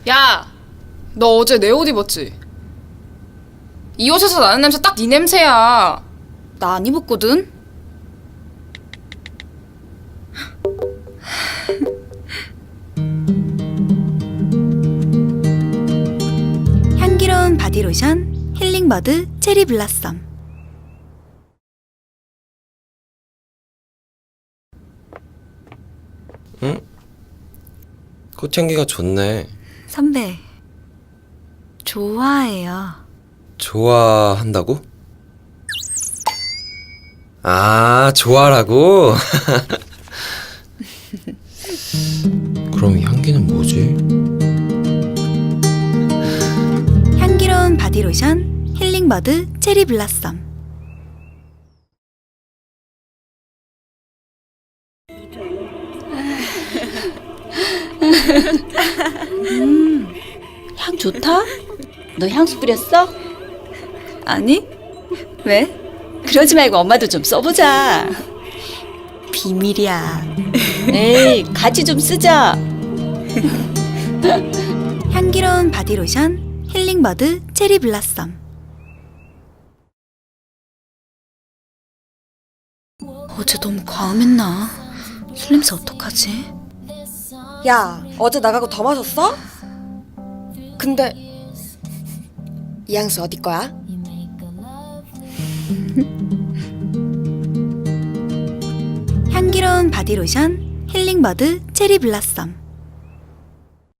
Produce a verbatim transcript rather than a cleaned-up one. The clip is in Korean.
야, 너 어제 내 옷 입었지? 이 옷에서 나는 냄새 딱 네 냄새야. 나 안 입었거든? 향기로운 바디로션 힐링버드 체리 블라썸. 응? 꽃향기가 좋네. 선배, 좋아해요. 좋아한다고? 아, 좋아라고? 그럼 이 향기는 뭐지? 향기로운 바디로션 힐링버드 체리 블라썸. 음, 향 좋다? 너 향수 뿌렸어? 아니? 왜? 그러지 말고 엄마도 좀 써보자. 비밀이야. 에이, 같이 좀 쓰자. 향기로운 바디로션 힐링버드 체리 블라썸. 어제 너무 과음했나? 술 냄새 어떡하지? 야, 어제 나가고 더 마셨어? 근데 이 향수 어디 거야? 향기로운 바디로션 힐링버드 체리 블라썸.